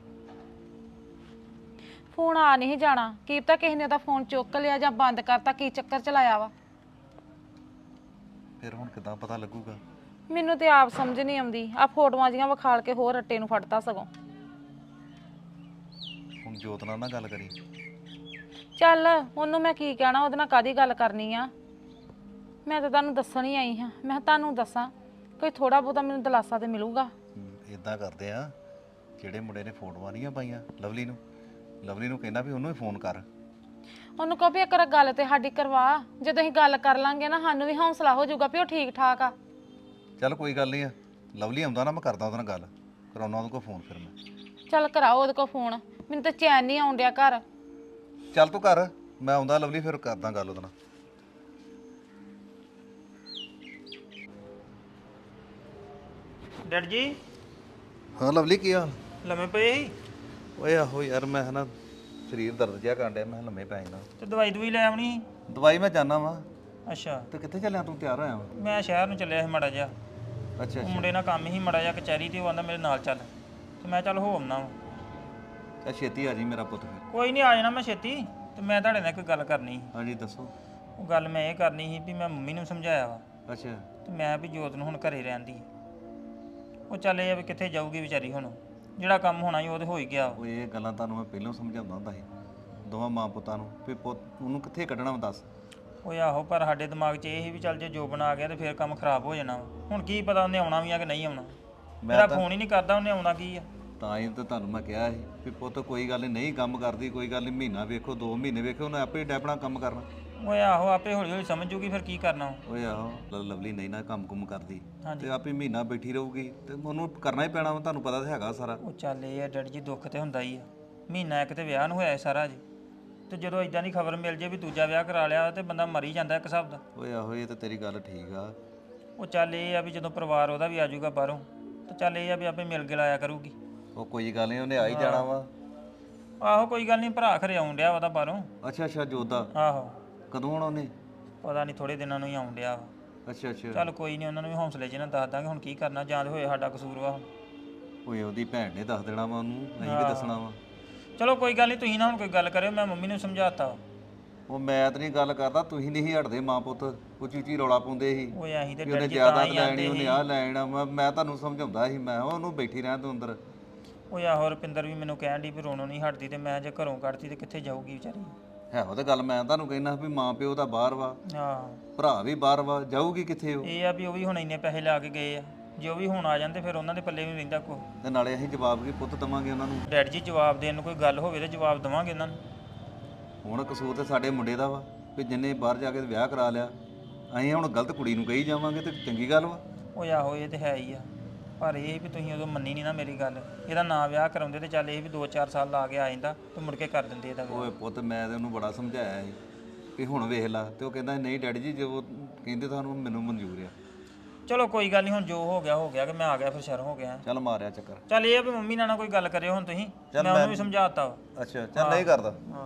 ਫੋਨ ਆ ਨਹੀਂ ਜਾਣਾ, ਕੀ ਪਤਾ ਕਿਸੇ ਨੇ ਉਹਦਾ ਫੋਨ ਚੁੱਕ ਲਿਆ ਜਾਂ ਬੰਦ ਕਰਤਾ, ਕੀ ਚੱਕਰ ਚਲਾਇਆ ਵਾ। ਫਿਰ ਹੁਣ ਕਿਦਾਂ ਪਤਾ ਲੱਗੂਗਾ? ਮੈਨੂੰ ਤੇ ਆਪ ਸਮਝ ਨਹੀਂ ਆਉਂਦੀ। ਆ ਫੋਟੋਆਂ ਜੀਆਂ ਵਿਖਾਲ ਕੇ ਹੋਰ ਰੱਟੇ ਨੂੰ ਫੜਦਾ ਸਗੋਂ। ਹੁਣ ਜੋਤ ਨਾਲ ਨਾ ਗੱਲ ਕਰੀ। ਚੱਲ ਉਹਨੂੰ ਮੈਂ ਕੀ ਕਹਿਣਾ, ਉਹਦੇ ਨਾਲ ਕਾਹਦੀ ਗੱਲ ਕਰਨੀ ਆ। ਮੈਂ ਤਾਂ ਤੁਹਾਨੂੰ ਦੱਸਣ ਹੀ ਆਈ ਹਾਂ, ਮੈਂ ਕਿਹਾ ਤੁਹਾਨੂੰ ਦੱਸਾਂ ਕੋਈ ਥੋੜਾ ਬਹੁਤਾ ਮੈਨੂੰ ਦਿਲਾਸਾ ਤੇ ਮਿਲੂਗਾ। ਇਦਾਂ ਕਰਦੇ ਆ, ਜਿਹੜੇ ਮੁੰਡੇ ਨੇ ਫੋਟੋਆਂ ਨਹੀਂ ਪਾਈਆਂ ਲਵਲੀ ਨੂੰ ਕਹਿੰਦਾ ਵੀ ਉਹਨੂੰ ਹੀ ਫੋਨ ਕਰ। ਉਹਨੂੰ ਕਹੋ ਵੀ ਇੱਕ ਵਾਰ ਗੱਲ ਤੇ ਸਾਡੀ ਕਰਵਾ, ਜਦੋਂ ਅਸੀਂ ਗੱਲ ਕਰ ਲਾਂਗੇ ਨਾ ਸਾਨੂੰ ਵੀ ਹੌਸਲਾ ਹੋ ਜਾਊਗਾ ਵੀ ਉਹ ਠੀਕ ਠਾਕ ਆ। ਚੱਲ ਕੋਈ ਗੱਲ ਨਹੀਂ ਆ, ਲਵਲੀ ਆਉਂਦਾ ਨਾ ਮੈਂ ਕਰਦਾ ਉਹਦੇ ਨਾਲ ਗੱਲ, ਕਰਾਉਣਾ ਉਹਦੇ ਕੋਲ ਫੋਨ ਫਿਰ ਮੈਂ। ਚੱਲ ਕਰਾਓ ਉਹਦੇ ਕੋਲ ਫੋਨ, ਮੈਨੂੰ ਤਾਂ ਚੈਨ ਨਹੀਂ ਆਉਣ ਡਿਆ ਘਰ। ਚੱਲ ਤੂੰ ਕਰ, ਮੈਂ ਆਉਂਦਾ ਲਵਲੀ ਫਿਰ ਕਰਦਾ ਗੱਲ ਉਹਦੇ ਨਾਲ। ਡੈਡ ਜੀ ਹਾਂ ਲਵਲੀ ਕੀ ਹਾਲ? ਲੰਮੇ ਪਏ ਸੀ ਓਏ ਆਹੋ ਯਾਰ, ਮੈਂ ਨਾ ਸਰੀਰ ਦਰਦ ਜਿਹਾ ਕਰਨ ਡਿਆ, ਮੈਂ ਲੰਮੇ ਪੈ ਜਾਣਾ। ਤੇ ਦਵਾਈ ਲੈ ਆਉਣੀ ਸੀ। ਦਵਾਈ ਮੈਂ ਜਾਣਾ ਵਾ। ਅੱਛਾ, ਤੇ ਕਿੱਥੇ ਚੱਲਿਆ ਤੂੰ? ਤਿਆਰ ਹੋਇਆ ਵਾ? ਮੈਂ ਸ਼ਹਿਰ ਨੂੰ ਚੱਲਿਆ ਸੀ ਮਾੜਾ ਜਿਹਾ। ਅੱਛਾ ਉਹ ਅੱਛਾ ਮੁੰਡੇ ਨਾਲ ਕੰਮ ਹੀ ਮਾੜਾ ਜਿਹਾ ਕਚਹਿਰੀ ਤੇ, ਉਹ ਆਂਦਾ ਮੇਰੇ ਨਾਲ ਚੱਲ, ਤੇ ਮੈਂ ਚੱਲ ਹੋ ਆਉਣਾ ਵਾ। ਚੱਲ ਛੇਤੀ ਆ ਜੀ ਮੇਰਾ ਪੁੱਤ ਫਿਰ। ਕੋਈ ਨਹੀਂ, ਆ ਜਾਣਾ ਮੈਂ ਛੇਤੀ। ਤੇ ਮੈਂ ਤੁਹਾਡੇ ਨਾਲ ਇੱਕ ਗੱਲ ਕਰਨੀ ਸੀ। ਹਾਂਜੀ ਦੱਸੋ। ਉਹ ਗੱਲ ਮੈਂ ਇਹ ਕਰਨੀ ਸੀ ਵੀ ਮੈਂ ਮੰਮੀ ਨੂੰ ਸਮਝਾਇਆ ਵਾ, ਅੱਛਾ ਤੇ ਮੈਂ ਵੀ ਜੋਤ ਨੂੰ ਹੁਣ ਘਰੇ ਰਹਿਣ ਦੀ। ਉਹ ਚੱਲ ਇਹ ਆ ਵੀ ਕਿੱਥੇ ਜਾਊਗੀ ਵਿਚਾਰੀ, ਹੁਣ ਜਿਹੜਾ ਕੰਮ ਹੋਣਾ ਸੀ ਉਹ ਤੇ ਹੋ ਹੀ ਗਿਆ। ਉਹ ਇਹ ਗੱਲਾਂ ਤੁਹਾਨੂੰ ਮੈਂ ਪਹਿਲਾਂ ਸਮਝਾਉਂਦਾ ਹੁੰਦਾ ਸੀ ਦੋਵਾਂ ਮਾਂ ਪੁੱਤਾਂ ਨੂੰ ਵੀ ਪੁੱਤ ਉਹਨੂੰ ਕਿੱਥੇ ਕੱਢਣਾ ਵਾ ਦੱਸ। ਉਹ ਆਹੋ, ਪਰ ਸਾਡੇ ਦਿਮਾਗ 'ਚ ਇਹ ਸੀ ਵੀ ਚੱਲ ਜੇ ਜੋਬਨ ਆ ਗਿਆ ਤੇ ਫਿਰ ਕੰਮ ਖਰਾਬ ਹੋ ਜਾਣਾ ਵਾ। ਹੁਣ ਕੀ ਪਤਾ ਉਹਨੇ ਆਉਣਾ ਵੀ ਆ ਕਿ ਨਹੀਂ ਆਉਣਾ। ਮੇਰਾ ਫੋਨ ਹੀ ਨਹੀਂ ਕਰਦਾ, ਉਹਨੇ ਆਉਣਾ ਕੀ ਆ। ਤਾਂ ਹੀ ਤਾਂ ਤੁਹਾਨੂੰ ਮੈਂ ਕਿਹਾ ਸੀ ਵੀ ਪੁੱਤ ਕੋਈ ਗੱਲ ਨਹੀਂ ਕੰਮ ਕਰਦੀ, ਕੋਈ ਗੱਲ ਨਹੀਂ, ਮਹੀਨਾ ਵੇਖੋ 2 ਮਹੀਨੇ ਵੇਖੋ, ਉਹਨੇ ਆਪੇ ਡੈਪਣਾ ਕੰਮ ਕਰਨਾ। ਓਏ ਆਹੋ ਆਪੇ ਹੌਲੀ ਹੌਲੀ ਸਮਝ ਜੂਗੀ ਫਿਰ ਕੀ ਕਰਨਾ ਵਾ। ਓਏ ਆਹੋ ਲਵਲੀ ਨਹੀਂ ਨਾ ਕੰਮ ਕਰਦੀ ਹਾਂਜੀ। ਤੇ ਆਪੇ ਮਹੀਨਾ ਬੈਠੀ ਰਹੂਗੀ ਤੇ ਉਹਨੂੰ ਕਰਨਾ ਹੀ ਪੈਣਾ ਵਾ, ਤੁਹਾਨੂੰ ਪਤਾ ਤਾਂ ਹੈਗਾ ਸਾਰਾ। ਉਹ ਚੱਲ ਇਹ ਆ ਡੈਡੀ ਜੀ, ਦੁੱਖ ਤੇ ਹੁੰਦਾ ਹੀ ਆ। ਮਹੀਨਾ ਇੱਕ ਤੇ ਵਿਆਹ ਨੂੰ ਹੋਇਆ ਸਾਰਾ ਜੀ, ਤੇ ਜਦੋਂ ਇਦਾਂ ਦੀ ਖਬਰ ਮਿਲ ਜੇ ਵੀ ਦੂਜਾ ਵਿਆਹ ਕਰਾ ਲਿਆ ਤੇ ਬੰਦਾ ਮਰ ਹੀ ਜਾਂਦਾ ਇੱਕ ਹਿਸਾਬ ਦਾ। ਓਏ ਆਹੋ ਇਹ ਤਾਂ ਤੇਰੀ ਗੱਲ ਠੀਕ ਆ। ਉਹ ਚੱਲ ਇਹ ਆ ਵੀ ਜਦੋਂ ਪਰਿਵਾਰ ਉਹਦਾ ਵੀ ਆ ਜਾਊਗਾ ਬਾਹਰੋਂ, ਤੇ ਚੱਲ ਇਹ ਆ ਵੀ ਆਪੇ ਮਿਲ ਗਿਲ ਆਇਆ ਕਰੂਗੀ। ਉਹ ਕੋਈ ਗੱਲ ਨਹੀਂ, ਉਹਨੇ ਆ ਹੀ ਜਾਣਾ ਵਾ। ਆਹੋ ਕੋਈ ਗੱਲ ਨਹੀਂ, ਭਰਾ ਖਰੇ ਆਉਣ ਡਿਆ ਉਹਦਾ ਬਾਹਰੋਂ। ਅੱਛਾ ਜੋਦਾ, ਆਹੋ ਕਦੋਂ ਆਉਣਾ ਉਹਨੇ? ਪਤਾ ਨਹੀਂ, ਥੋੜੇ ਦਿਨਾਂ ਨੂੰ ਹੀ ਆਉਣ ਡਿਆ ਵਾ। ਅੱਛਾ ਚੱਲ ਕੋਈ ਨਹੀਂ, ਉਹਨਾਂ ਨੂੰ ਵੀ ਹੌਸਲੇ 'ਚ ਨਾ ਦੱਸ ਦਾਂਗੇ ਹੁਣ ਕੀ ਕਰਨਾ, ਜਾਂ ਤੇ ਹੋਏ ਸਾਡਾ ਕਸੂਰ ਵਾ ਹੁਣ। ਓਏ ਉਹਦੀ ਭੈਣ ਨੇ ਦੱਸ ਦੇਣਾ ਵਾ ਉਹਨੂੰ, ਅਸੀਂ ਵੀ ਦੱਸਣਾ ਵਾ। ਚਲੋ ਕੋਈ ਗੱਲ ਨਹੀਂ, ਤੁਸੀਂ ਨਾ ਹੁਣ ਕੋਈ ਗੱਲ ਕਰਿਓ, ਮੈਂ ਮੰਮੀ ਨੂੰ ਸਮਝਾਤਾ। ਉਹ ਮੈਂ ਤਾਂ ਨਹੀਂ ਗੱਲ ਕਰਦਾ, ਤੁਸੀਂ ਨਹੀਂ ਹਟਦੇ ਮਾਂ ਪੁੱਤ, ਉੱਚੀ ਉੱਚੀ ਰੌਲਾ ਪਾਉਂਦੇ ਸੀ ਓਏ ਅਸੀਂ ਤੇ ਵੀ ਉਹਨੇ ਡੈਡੀ ਜੀ ਤਾਂ ਜ਼ਿਆਦਾ ਹੀ ਲੈਣੀ, ਆਂਦੇ ਉਹਨੇ ਸੀ। ਆਹ ਲੈਣਾ। ਮੈਂ ਤੁਹਾਨੂੰ ਸਮਝਾਉਂਦਾ ਸੀ, ਮੈਂ ਕਿਹਾ ਉਹਨੂੰ ਬੈਠੀ ਰਹਿਣ ਤੂੰ ਅੰਦਰ। ਓਏ ਆਹੋ ਰੁਪਿੰਦਰ ਵੀ ਮੈਨੂੰ ਕਹਿਣ ਦੀ ਵੀ ਰੋਣੋਂ ਨਹੀਂ ਹਟਦੀ, ਤੇ ਮੈਂ ਜੇ ਘਰੋਂ ਕੱਢਤੀ ਤੇ ਕਿੱਥੇ ਜਾਊਗੀ ਵਿਚਾਰੀ। ਹੈ ਉਹ ਤਾਂ ਗੱਲ ਮੈਂ ਤੁਹਾਨੂੰ ਕਹਿਣਾ ਵੀ ਮਾਂ ਪਿਓ ਤਾਂ ਬਾਹਰ ਵਾ, ਆਹੋ ਭਰਾ ਵੀ ਬਾਹਰ ਵਾ, ਜਾਊਗੀ ਕਿੱਥੇ ਉਹ? ਇਹ ਆ ਵੀ ਉਹ ਵੀ ਹੁਣ ਇੰਨੇ ਪੈਸੇ ਲਾ ਕੇ ਗਏ ਆ, ਜੇ ਉਹ ਵੀ ਹੁਣ ਆ ਜਾਂਦੇ ਫਿਰ ਉਹਨਾਂ ਦੇ ਪੱਲੇ ਵੀ ਨਹੀਂ ਰਹਿੰਦਾ ਕੁਛ। ਤੇ ਨਾਲੇ ਅਸੀਂ ਜਵਾਬ ਕੀ ਪੁੱਤ ਦਵਾਂਗੇ ਉਹਨਾਂ ਨੂੰ? ਡੈਡੀ ਜੀ ਜਵਾਬ ਦੇਣ ਨੂੰ ਕੋਈ ਗੱਲ ਹੋਵੇ ਤੇ ਜਵਾਬ ਦੇਵਾਂਗੇ ਇਹਨਾਂ ਨੂੰ। ਹੁਣ ਕਸੂਰ ਤੇ ਸਾਡੇ ਮੁੰਡੇ ਦਾ ਵਾ ਵੀ ਜਿੰਨੇ ਬਾਹਰ ਜਾ ਕੇ ਵਿਆਹ ਕਰਾ ਲਿਆ, ਅਸੀਂ ਹੁਣ ਗਲਤ ਕੁੜੀ ਨੂੰ ਕਹੀ ਜਾਵਾਂਗੇ ਤੇ ਚੰਗੀ ਗੱਲ ਵਾ? ਓਏ ਆਹੋ ਇਹ ਤੇ ਹੈ ਹੀ ਆ, ਪਰ ਇਹ ਵੀ ਤੁਸੀਂ ਉਦੋਂ ਮੰਨੀ ਨਹੀਂ ਨਾ ਮੇਰੀ ਗੱਲ। ਇਹਦਾ ਨਾਂ ਵਿਆਹ ਕਰਾਉਂਦੇ ਤੇ ਚੱਲ ਇਹ ਵੀ 2-4 ਸਾਲ ਲਾ ਕੇ ਆ ਜਾਂਦਾ ਤੇ ਮੁੜ ਕੇ ਕਰ ਦਿੰਦੇ ਇਹਦਾ ਵਿਆਹ। ਓਏ ਪੁੱਤ ਮੈਂ ਤੇ ਉਹਨੂੰ ਬੜਾ ਸਮਝਾਇਆ ਸੀ ਵੀ ਹੁਣ ਵੇਖ ਲਾ, ਤੇ ਉਹ ਕਹਿੰਦਾ ਨਹੀਂ ਡੈਡੀ ਜੀ ਜੋ ਕਹਿੰਦੇ ਤੁਹਾਨੂੰ ਮੈਨੂੰ ਮਨਜ਼ੂਰ ਆ। ਚਲੋ ਕੋਈ ਗੱਲ ਨਹੀਂ, ਹੁਣ ਜੋ ਹੋ ਗਿਆ ਕਿ ਮੈਂ ਆ ਗਿਆ ਫਿਰ ਸ਼ਰਮ ਹੋ ਗਿਆ। ਚੱਲ ਮਾਰਿਆ ਚੱਕਰ। ਚੱਲ ਇਹ ਆ ਵੀ ਮੰਮੀ ਨਾਲ ਨਾ ਕੋਈ ਗੱਲ ਕਰਿਓ ਹੁਣ ਤੁਸੀਂ, ਮੈਂ ਉਹਨੂੰ ਵੀ ਸਮਝਾਤਾ ਵਾ। ਅੱਛਾ ਚੱਲ ਨਹੀਂ ਕਰਦਾ। ਹਾਂ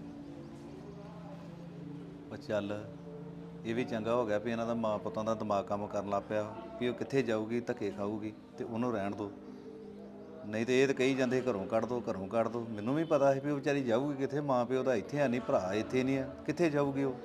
ਉਹ ਚੱਲ ਇਹ ਵੀ ਚੰਗਾ ਹੋ ਗਿਆ ਵੀ ਇਹਨਾਂ ਦਾ ਮਾਂ ਪੁੱਤਾਂ ਦਾ ਦਿਮਾਗ ਕੰਮ ਕਰਨ ਲੱਗ ਪਿਆ ਵੀ ਉਹ ਕਿੱਥੇ ਜਾਊਗੀ, ਧੱਕੇ ਖਾਊਗੀ, ਤੇ ਉਹਨੂੰ ਰਹਿਣ ਦਿਓ। ਨਹੀਂ ਤੇ ਇਹ ਤਾਂ ਕਹੀ ਜਾਂਦੇ ਘਰੋਂ ਕੱਢ ਦੋ, ਘਰੋਂ ਕੱਢ ਦੋ। ਮੈਨੂੰ ਵੀ ਪਤਾ ਸੀ ਵੀ ਉਹ ਵਿਚਾਰੀ ਜਾਊਗੀ ਕਿੱਥੇ, ਮਾਂ ਪਿਓ ਦਾ ਇੱਥੇ ਆ ਨਹੀਂ, ਭਰਾ ਇੱਥੇ ਨਹੀਂ ਆ, ਕਿੱਥੇ ਜਾਊਗੀ ਉਹ?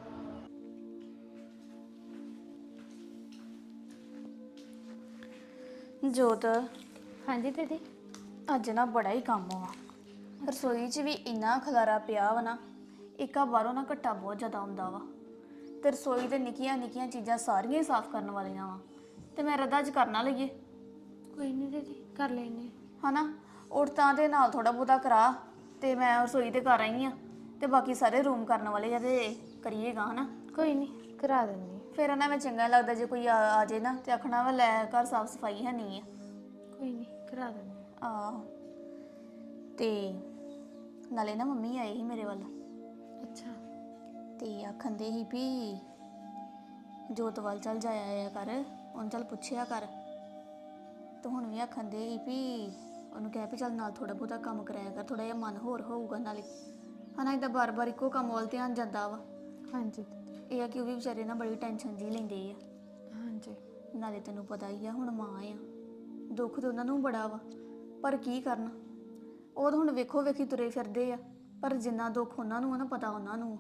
ਜੋਤ, ਹਾਂਜੀ ਦੀਦੀ। ਅੱਜ ਨਾ ਬੜਾ ਹੀ ਕੰਮ ਵਾ। ਰਸੋਈ 'ਚ ਵੀ ਇੰਨਾ ਖਲਾਰਾ ਪਿਆ ਵਾ ਨਾ, ਇੱਕਾ ਬਾਹਰੋਂ ਨਾ ਘੱਟਾ ਬਹੁਤ ਜ਼ਿਆਦਾ ਆਉਂਦਾ ਵਾ, ਤੇ ਰਸੋਈ ਦੇ ਨਿੱਕੀਆਂ ਨਿੱਕੀਆਂ ਚੀਜ਼ਾਂ ਸਾਰੀਆਂ ਹੀ ਸਾਫ਼ ਕਰਨ ਵਾਲੀਆਂ ਵਾ, ਤੇ ਮੈਂ ਰੱਦਾ ਅੱਜ ਕਰਨਾ ਲਈਏ। ਕੋਈ ਨਹੀਂ ਦੀਦੀ, ਕਰ ਲੈਨੇ। ਹਨਾ ਉੱਠ ਤਾਂ ਦੇ ਨਾਲ ਥੋੜਾ ਬਹੁਤਾ ਕਰਾ, ਤੇ ਮੈਂ ਰਸੋਈ ਤੇ ਕਰ ਆਈ ਆ, ਤੇ ਬਾਕੀ ਸਾਰੇ ਰੂਮ ਕਰਨ ਵਾਲੇ ਜਦੇ ਕਰੀਏਗਾ। ਹਨਾ ਕੋਈ ਨਹੀਂ, ਕਰਾ ਦਿੰਨੀ। ਫਿਰ ਉਹਨਾਂ ਵਿੱਚ ਚੰਗਾ ਲੱਗਦਾ ਜੇ ਕੋਈ ਆ ਜੇ ਨਾ ਤੇ ਆਖਣਾ ਵਾ ਲੈ ਘਰ ਸਾਫ਼ ਸਫਾਈ ਹੈ ਨਹੀਂ ਆ। ਕੋਈ ਨਹੀਂ, ਕਰਾ ਦਿੰਨੀ। ਆਹੋ, ਤੇ ਨਾਲੇ ਨਾ ਮੰਮੀ ਆਏ ਸੀ ਮੇਰੇ ਵੱਲ, ਅੱਛਾ। ਤੇ ਆਖਣ ਦੇ ਸੀ ਵੀ ਜੋਤ ਵੱਲ ਚੱਲ ਜਾਇਆ ਕਰ, ਉਹਨੂੰ ਚੱਲ ਪੁੱਛਿਆ ਕਰ। ਤੇ ਹੁਣ ਵੀ ਆਖਣ ਦੇ ਸੀ ਵੀ ਉਹਨੂੰ ਕਹਿ ਵੀ ਚੱਲ ਨਾਲ ਥੋੜਾ ਬਹੁਤਾ ਕੰਮ ਕਰਾਇਆ ਕਰ, ਥੋੜਾ ਜਿਹਾ ਮਨ ਹੋਰ ਹੋਊਗਾ ਨਾਲੇ। ਹਨਾ ਇਦਾਂ ਬਾਰ-ਬਾਰ ਇੱਕੋ ਕੰਮ ਵੱਲ ਧਿਆਨ ਜਾਂਦਾ ਵਾ। ਹਾਂਜੀ ਇਹ ਆ ਕਿ ਉਹ ਵੀ ਵਿਚਾਰੇ ਨਾ ਬੜੀ ਟੈਨਸ਼ਨ ਜੀ ਲੈਂਦੇ ਆ। ਹਾਂਜੀ। ਨਾਲੇ ਤੈਨੂੰ ਪਤਾ ਹੀ ਆ ਹੁਣ ਮਾਂ ਆ, ਦੁੱਖ ਤੇ ਉਹਨਾਂ ਨੂੰ ਬੜਾ ਵਾ, ਪਰ ਕੀ ਕਰਨ, ਉਹ ਤਾਂ ਹੁਣ ਵੇਖੋ ਵੇਖੀ ਤੁਰੇ ਫਿਰਦੇ ਆ, ਪਰ ਜਿੰਨਾ ਦੁੱਖ ਉਹਨਾਂ ਨੂੰ ਆ ਨਾ ਪਤਾ ਉਹਨਾਂ ਨੂੰ ਆ।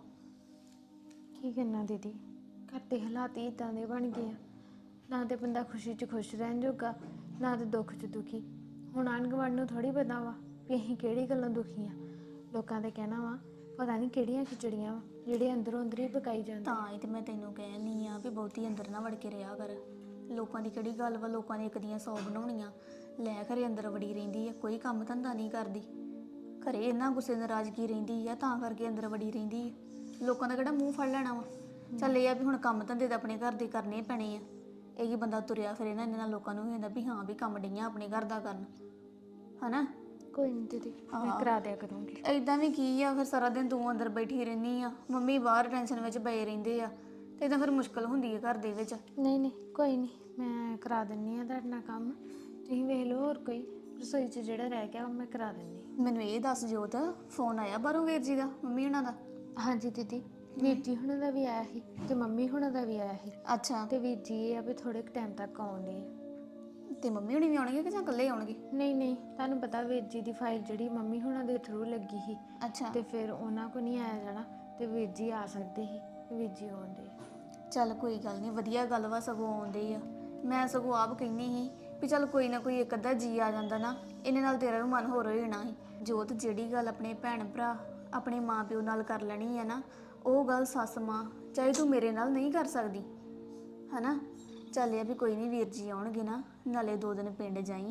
ਕੀ ਕਰਨਾ ਦੀਦੀ, ਘਰ ਦੇ ਹਾਲਾਤ ਹੀ ਇਦਾਂ ਦੇ ਬਣ ਗਏ ਆ, ਨਾ ਤੇ ਬੰਦਾ ਖੁਸ਼ੀ 'ਚ ਖੁਸ਼ ਰਹਿਣ ਜੋਗਾ, ਨਾ ਤੇ ਦੁੱਖ 'ਚ ਦੁਖੀ। ਹੁਣ ਆਂਢ ਗੁਆਂਢ ਨੂੰ ਥੋੜੀ ਪਤਾ ਵਾ ਵੀ ਅਸੀਂ ਕਿਹੜੀ ਗੱਲੋਂ ਦੁਖੀ ਆ। ਲੋਕਾਂ ਦੇ ਕਹਿਣਾ ਵਾ ਪਤਾ ਨਹੀਂ ਕਿਹੜੀਆਂ ਖਿਚੜੀਆਂ ਵਾ ਜਿਹੜੇ ਅੰਦਰੋਂ ਅੰਦਰ ਹੀ ਪਕਾਈ ਜਾਂਦੇ। ਤਾਂ ਹੀ ਤੇ ਮੈਂ ਤੈਨੂੰ ਕਹਿਣੀ ਆ ਵੀ ਬਹੁਤੀ ਅੰਦਰ ਨਾ ਵੜ ਕੇ ਰਿਹਾ ਕਰ। ਲੋਕਾਂ ਦੀ ਕਿਹੜੀ ਗੱਲ ਵਾ, ਲੋਕਾਂ ਨੇ ਇੱਕ ਦੀਆਂ 100 ਬਣਾਉਣੀਆਂ, ਲੈ ਘਰੇ ਅੰਦਰ ਵੜੀ ਰਹਿੰਦੀ ਆ, ਕੋਈ ਕੰਮ ਧੰਦਾ ਨਹੀਂ ਕਰਦੀ, ਘਰੇ ਇੰਨਾ ਗੁੱਸੇ ਨਾਰਾਜ਼ਗੀ ਰਹਿੰਦੀ ਆ, ਤਾਂ ਕਰਕੇ ਅੰਦਰ ਵੜੀ ਰਹਿੰਦੀ ਆ। ਲੋਕਾਂ ਦਾ ਕਿਹੜਾ ਮੂੰਹ ਫੜ ਲੈਣਾ ਵਾ। ਚੱਲ ਇਹ ਆ ਵੀ ਹੁਣ ਕੰਮ ਧੰਦੇ ਤਾਂ ਆਪਣੇ ਘਰ ਦੇ ਕਰਨੇ ਪੈਣੇ ਆ। ਇਹ ਕੀ ਬੰਦਾ ਤੁਰਿਆ ਫਿਰੇ ਨਾ ਇਹਨਾਂ ਨਾਲ, ਲੋਕਾਂ ਨੂੰ ਵੀ ਹੁੰਦਾ ਵੀ ਹਾਂ ਵੀ ਕੰਮ ਡਈਆਂ ਆਪਣੇ ਘਰ ਦਾ ਕਰਨ। ਹਨਾ ਕੋਈ ਨਹੀਂ ਦੀਦੀ, ਮੈਂ ਕਰਾ ਦਿਆ ਕਰੂੰਗੀ। ਏਦਾਂ ਵੀ ਕੀ ਆ, ਫਿਰ ਸਾਰਾ ਦਿਨ ਤੂੰ ਅੰਦਰ ਬੈਠੀ ਰਹਿੰਦੀ ਆ, ਮੰਮੀ ਬਾਹਰ ਟੈਨਸ਼ਨ ਵਿੱਚ ਪਏ ਰਹਿੰਦੇ ਆ, ਤੇ ਇਦਾਂ ਫਿਰ ਮੁਸ਼ਕਲ ਹੁੰਦੀ ਹੈ ਘਰ ਦੇ ਵਿੱਚ। ਨਹੀਂ ਨਹੀਂ ਕੋਈ ਨਹੀਂ, ਮੈਂ ਕਰਾ ਦਿੰਨੀ ਆ ਤੁਹਾਡੇ ਨਾਲ ਕੰਮ, ਤੁਸੀਂ ਵੇਖ ਲਓ। ਹੋਰ ਕੋਈ ਰਸੋਈ 'ਚ ਜਿਹੜਾ ਰਹਿ ਗਿਆ ਉਹ ਮੈਂ ਕਰਾ ਦਿੰਨੀ। ਮੈਨੂੰ ਇਹ ਦੱਸ ਜੋਤ, ਫੋਨ ਆਇਆ ਬਾਹਰੋਂ ਵੀਰ ਜੀ ਦਾ, ਮੰਮੀ ਉਹਨਾਂ ਦਾ? ਹਾਂਜੀ ਦੀਦੀ, ਵੀਰ ਜੀ ਹੁਣਾਂ ਦਾ ਵੀ ਆਇਆ ਸੀ ਤੇ ਮੰਮੀ ਹੁਣਾਂ ਦਾ ਵੀ ਆਇਆ ਸੀ। ਅੱਛਾ, ਤੇ ਵੀਰ ਜੀ ਇਹ ਆ ਵੀ ਥੋੜੇ ਟਾਈਮ ਤੱਕ ਆਉਂਦੇ ਆ। ਤੇ ਮੰਮੀ ਹੁਣੀ ਵੀ ਆਉਣਗੇ ਕਿ ਜਾਂ ਇਕੱਲੇ ਆਉਣਗੇ? ਨਹੀਂ ਨਹੀਂ, ਤੁਹਾਨੂੰ ਪਤਾ ਵੀਰ ਜੀ ਦੀ ਫਾਈਲ ਜਿਹੜੀ ਮੰਮੀ ਹੁਣਾਂ ਦੇ ਥਰੂ ਲੱਗੀ ਸੀ, ਅੱਛਾ, ਤੇ ਫਿਰ ਉਹਨਾਂ ਕੋ ਨਹੀਂ ਆਇਆ ਜਾਣਾ, ਤੇ ਵੀਰ ਜੀ ਆ ਸਕਦੇ ਸੀ, ਵੀਰ ਜੀ ਆਉਂਦੇ। ਚੱਲ ਕੋਈ ਗੱਲ ਨਹੀਂ, ਵਧੀਆ ਗੱਲ ਵਾ, ਸਗੋਂ ਆਉਂਦੇ ਆ। ਮੈਂ ਸਗੋਂ ਆਪ ਕਹਿੰਦੀ ਸੀ ਵੀ ਚੱਲ ਕੋਈ ਨਾ ਕੋਈ ਇੱਕ ਅੱਧਾ ਜੀ ਆ ਜਾਂਦਾ ਨਾ, ਇਹਨੇ ਨਾਲ ਤੇਰਾ ਵੀ ਮਨ ਹੋਰ ਹੋ ਜਾਣਾ ਸੀ। ਜੋਤ, ਜਿਹੜੀ ਗੱਲ ਆਪਣੇ ਭੈਣ ਭਰਾ ਆਪਣੇ ਮਾਂ ਪਿਓ ਨਾਲ ਕਰ ਲੈਣੀ ਹੈ ਨਾ, ਉਹ ਗੱਲ ਸੱਸ ਮਾਂ ਚਾਹੇ ਤੂੰ ਮੇਰੇ ਨਾਲ ਨਹੀਂ ਕਰ ਸਕਦੀ। ਹਨਾ ਚੱਲ ਇਹ ਵੀ ਕੋਈ ਨਹੀਂ, ਵੀਰ ਜੀ ਆਉਣਗੇ ਨਾ, ਨਾਲੇ 2 ਦਿਨ ਪਿੰਡ ਜਾਈ,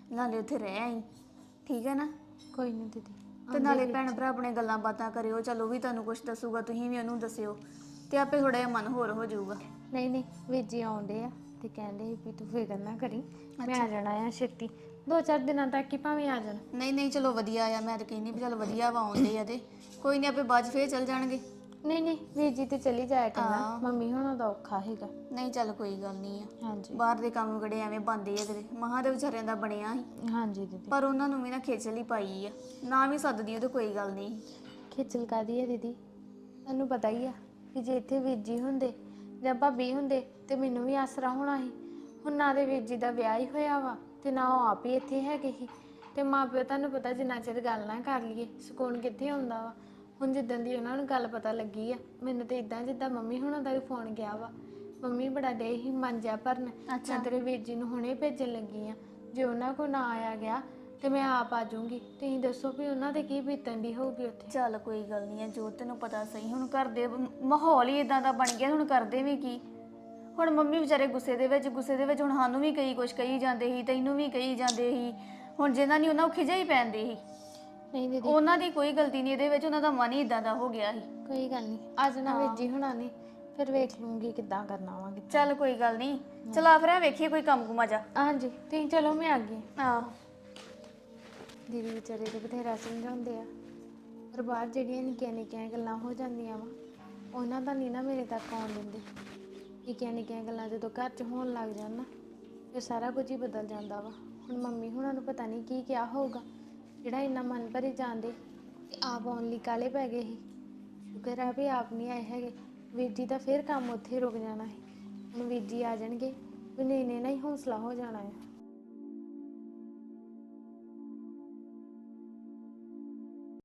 ਨਾਲੇ ਉੱਥੇ ਰਹਿ ਆਈ, ਠੀਕ ਹੈ ਨਾ? ਕੋਈ ਨਹੀਂ ਦੀਦੀ। ਤੇ ਨਾਲੇ ਭੈਣ ਭਰਾ ਆਪਣੇ ਗੱਲਾਂ ਬਾਤਾਂ ਕਰਿਓ, ਚਲੋ ਵੀ ਤੁਹਾਨੂੰ ਕੁਝ ਦੱਸੂਗਾ, ਤੁਸੀਂ ਵੀ ਉਹਨੂੰ ਦੱਸਿਓ, ਤੇ ਆਪੇ ਥੋੜਾ ਜਿਹਾ ਮਨ ਹੋਰ ਹੋ ਜਾਊਗਾ। ਨਹੀਂ ਨਹੀਂ, ਵੀਰ ਜੀ ਆਉਂਦੇ ਆ ਤੇ ਕਹਿੰਦੇ ਸੀ ਵੀ ਤੂੰ ਫਿਕਰ ਨਾ ਕਰੀ, ਮੈਂ ਆ ਜਾਣਾ ਆ ਛੇਤੀ, 2-4 ਦਿਨਾਂ ਤੱਕ ਹੀ ਭਾਵੇਂ ਆ ਜਾਣ। ਨਹੀਂ ਨਹੀਂ, ਚਲੋ ਵਧੀਆ ਆ, ਮੈਂ ਤਾਂ ਕਹਿੰਦੀ ਵੀ ਚਲ ਵਧੀਆ ਵਾ ਆਉਂਦੇ ਆ, ਤੇ ਕੋਈ ਨਹੀਂ ਆਪੇ ਬਾਅਦ 'ਚ ਫੇਰ ਚੱਲ ਜਾਣਗੇ। ਨਹੀਂ ਨਹੀਂ, ਵੀਰ ਜੀ ਤੇ ਚਲੀ ਜਾਇਆ ਕਰਨਾ, ਮੰਮੀ ਹੋਣਾ ਦਾ ਔਖਾ ਹੈਗਾ। ਨਹੀਂ ਚੱਲ ਕੋਈ ਗੱਲ ਨਹੀਂ ਆ, ਹਾਂਜੀ ਬਾਹਰ ਦੇ ਕੰਮ ਕਿਹੜੇ ਐਵੇਂ ਬੰਦੇ ਆ ਤੇਰੇ ਮਹਾਂ ਦੇ ਵਿਚਾਰਿਆਂ ਦਾ ਬਣਿਆ ਸੀ, ਹਾਂਜੀ ਦੀਦੀ। ਪਰ ਉਹਨਾਂ ਨੂੰ ਵੀ ਨਾ ਖੇਚਲ ਹੀ ਪਾਈ ਆ, ਨਾ ਵੀ ਸੱਦਦੀ ਉਹ ਤੇ ਕੋਈ ਗੱਲ ਨਹੀਂ। ਖੇਚਲ ਕਾਹਦੀ ਹੈ ਦੀਦੀ, ਤੁਹਾਨੂੰ ਪਤਾ ਹੀ ਆ ਕਿ ਜੇ ਇੱਥੇ ਵੀਰ ਜੀ ਹੁੰਦੇ ਜਾਂ ਭਾਬੀ ਹੁੰਦੇ ਤੇ ਮੈਨੂੰ ਵੀ ਆਸਰਾ ਹੋਣਾ ਸੀ। ਹੁਣ ਨਾ ਦੇ ਵੀਰ ਜੀ ਦਾ ਵਿਆਹ ਹੀ ਹੋਇਆ ਵਾ ਤੇ ਨਾ ਉਹ ਆਪ ਹੀ ਇੱਥੇ ਹੈਗੇ ਸੀ, ਤੇ ਮਾਂ ਪਿਓ ਤੁਹਾਨੂੰ ਪਤਾ ਜਿੰਨਾ ਚਿਰ ਗੱਲ ਨਾ ਕਰ ਲਈਏ ਸਕੂਨ ਕਿੱਥੇ ਹੁੰਦਾ ਵਾ। ਹੁਣ ਜਿੱਦਣ ਦੀ ਉਹਨਾਂ ਨੂੰ ਗੱਲ ਪਤਾ ਲੱਗੀ ਆ, ਮੈਨੂੰ ਤੇ ਇਦਾਂ ਜਿੱਦਾਂ ਮੰਮੀ ਹੁਣਾਂ ਦਾ ਵੀ ਫੋਨ ਗਿਆ ਵਾ, ਮੰਮੀ ਬੜਾ ਡੇ ਹੀ ਮਨ ਜਾ ਭਰਨ, ਮੈਂ ਤੇਰੇ ਵੀਰ ਜੀ ਨੂੰ ਹੁਣੇ ਭੇਜਣ ਲੱਗੀ ਆ, ਜੇ ਉਹਨਾਂ ਕੋਲ ਨਾ ਆਇਆ ਗਿਆ ਤੇ ਮੈਂ ਆਪ ਆ ਜਾਊਂਗੀ। ਤੁਸੀਂ ਦੱਸੋ ਵੀ ਉਹਨਾਂ ਦੇ ਕੀ ਬੀਤਣ ਦੀ ਹੋਊਗੀ ਉੱਥੇ। ਚੱਲ ਕੋਈ ਗੱਲ ਨਹੀਂ ਆ, ਜੋ ਤੈਨੂੰ ਪਤਾ ਸਹੀ, ਹੁਣ ਘਰ ਦੇ ਮਾਹੌਲ ਹੀ ਇਦਾਂ ਦਾ ਬਣ ਗਿਆ, ਹੁਣ ਕਰਦੇ ਵੀ ਕੀ। ਹੁਣ ਮੰਮੀ ਵਿਚਾਰੇ ਗੁੱਸੇ ਦੇ ਵਿੱਚ ਹੁਣ ਸਾਨੂੰ ਵੀ ਕਈ ਕੁਛ ਕਹੀ ਜਾਂਦੇ ਸੀ, ਤੈਨੂੰ ਵੀ ਕਹੀ ਜਾਂਦੇ ਸੀ, ਹੁਣ ਜਿਹਨਾਂ ਨਹੀਂ ਉਹਨਾਂ ਨੂੰ ਖਿਜਾ ਹੀ ਪੈਂਦੇ ਸੀ। ਨਹੀਂ ਦੀਦੀ ਉਹਨਾਂ ਦੀ ਕੋਈ ਗਲਤੀ ਨਹੀਂ ਇਹਦੇ ਵਿੱਚ, ਉਹਨਾਂ ਦਾ ਮਨ ਹੀ ਇਦਾਂ ਦਾ ਹੋ ਗਿਆ ਸੀ। ਕੋਈ ਗੱਲ ਨਹੀਂ, ਅੱਜ ਨਾ ਵੀਰ ਜੀ ਹੁਣਾਂ ਨੇ ਫਿਰ ਵੇਖ ਲੂੰਗੀ ਕਿੱਦਾਂ ਕਰਨਾ ਵਾ। ਚੱਲ ਕੋਈ ਗੱਲ ਨਹੀਂ, ਚਲਾ ਫਿਰ ਵੇਖੀਏ ਕੋਈ ਕੰਮ ਕੁਮਾ ਜਾ। ਹਾਂਜੀ ਤੁਸੀਂ ਚਲੋ, ਮੈਂ ਆ ਗਈ। ਆਹ ਦੀਦੀ ਵਿਚਾਰੇ ਤੇ ਬਥੇਰਾ ਸਮਝਾਉਂਦੇ ਆ, ਪਰ ਬਾਹਰ ਜਿਹੜੀਆਂ ਨਿੱਕੀਆਂ ਨਿੱਕੀਆਂ ਗੱਲਾਂ ਹੋ ਜਾਂਦੀਆਂ ਵਾ ਉਹਨਾਂ ਦਾ ਨਹੀਂ ਨਾ ਮੇਰੇ ਤੱਕ ਆਉਣ ਦਿੰਦੇ। ਨਿੱਕੀਆਂ ਨਿੱਕੀਆਂ ਗੱਲਾਂ ਜਦੋਂ ਘਰ 'ਚ ਹੋਣ ਲੱਗ ਜਾਣ ਨਾ, ਫਿਰ ਸਾਰਾ ਕੁਝ ਹੀ ਬਦਲ ਜਾਂਦਾ ਵਾ। ਹੁਣ ਮੰਮੀ ਹੁਣਾਂ ਨੂੰ ਪਤਾ ਨਹੀਂ ਕੀ ਕਿਹਾ ਹੋਊਗਾ ਜਿਹੜਾ ਇੰਨਾ ਮਨ ਭਰੀ ਜਾਂਦੇ, ਤੇ ਆਪ ਆਉਣ ਲਈ ਕਾਹਲੇ ਪੈ ਗਏ ਸੀ। ਸ਼ੁਕਰ ਆ ਵੀ ਆਪ ਨਹੀਂ ਆਏ ਹੈਗੇ, ਵੀਰ ਜੀ ਦਾ ਫਿਰ ਕੰਮ ਉੱਥੇ ਰੁਕ ਜਾਣਾ ਸੀ। ਹੁਣ ਵੀਰ ਜੀ ਆ ਜਾਣਗੇ ਵੀ ਨਹੀਂ ਨਾ ਹੀ ਹੌਸਲਾ ਹੋ ਜਾਣਾ ਹੈ।